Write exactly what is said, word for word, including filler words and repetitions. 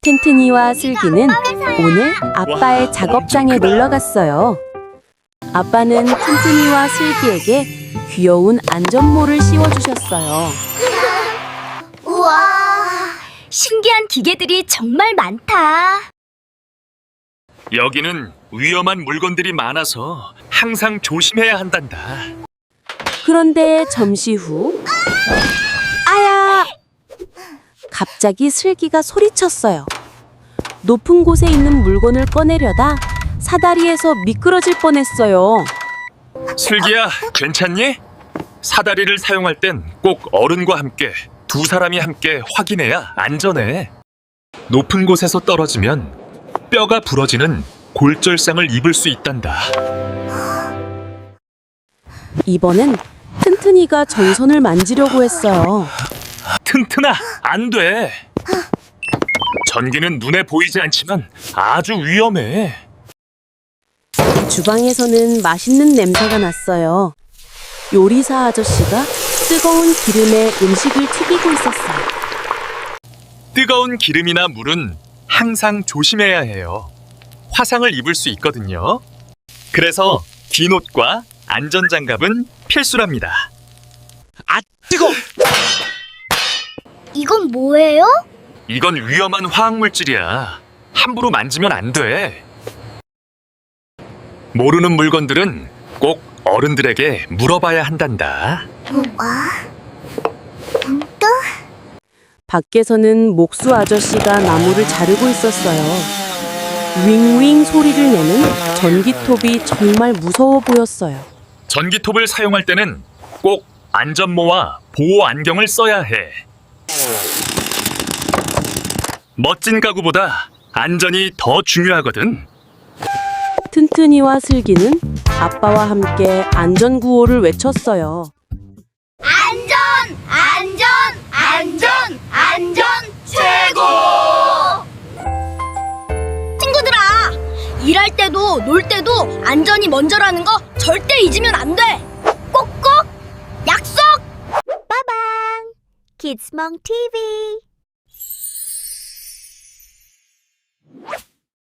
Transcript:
튼튼이와 슬기는 오늘 아빠의 작업장에 놀러 갔어요. 아빠는 튼튼이와 슬기에게 귀여운 안전모를 씌워주셨어요. 우와, 신기한 기계들이 정말 많다. 여기는 위험한 물건들이 많아서 항상 조심해야 한단다. 그런데 잠시 후 아야! 갑자기 슬기가 소리쳤어요. 높은 곳에 있는 물건을 꺼내려다 사다리에서 미끄러질 뻔했어요. 슬기야, 괜찮니? 사다리를 사용할 땐 꼭 어른과 함께 두 사람이 함께 확인해야 안전해. 높은 곳에서 떨어지면 뼈가 부러지는 골절상을 입을 수 있단다. 이번엔 튼튼이가 전선을 만지려고 했어요. 튼튼아, 안 돼. 전기는 눈에 보이지 않지만 아주 위험해. 주방에서는 맛있는 냄새가 났어요. 요리사 아저씨가 뜨거운 기름에 음식을 튀기고 있었어요. 뜨거운 기름이나 물은 항상 조심해야 해요. 화상을 입을 수 있거든요. 그래서 긴 옷과 안전장갑은 필수랍니다. 아, 뜨거! 이건 뭐예요? 이건 위험한 화학물질이야. 함부로 만지면 안 돼. 모르는 물건들은 꼭 어른들에게 물어봐야 한단다. 밖에서는 목수 아저씨가 나무를 자르고 있었어요. 윙윙 소리를 내는 전기톱이 정말 무서워 보였어요. 전기톱을 사용할 때는 꼭 안전모와 보호 안경을 써야 해. 멋진 가구보다 안전이 더 중요하거든. 튼튼이와 슬기는 아빠와 함께 안전구호를 외쳤어요. 안전, 안전, 안전, 안전 최고! 친구들아, 일할 때도 놀 때도 안전이 먼저라는 거 절대 잊으면 안 돼. 꼭꼭 약속! 빠방! 키즈몽 티비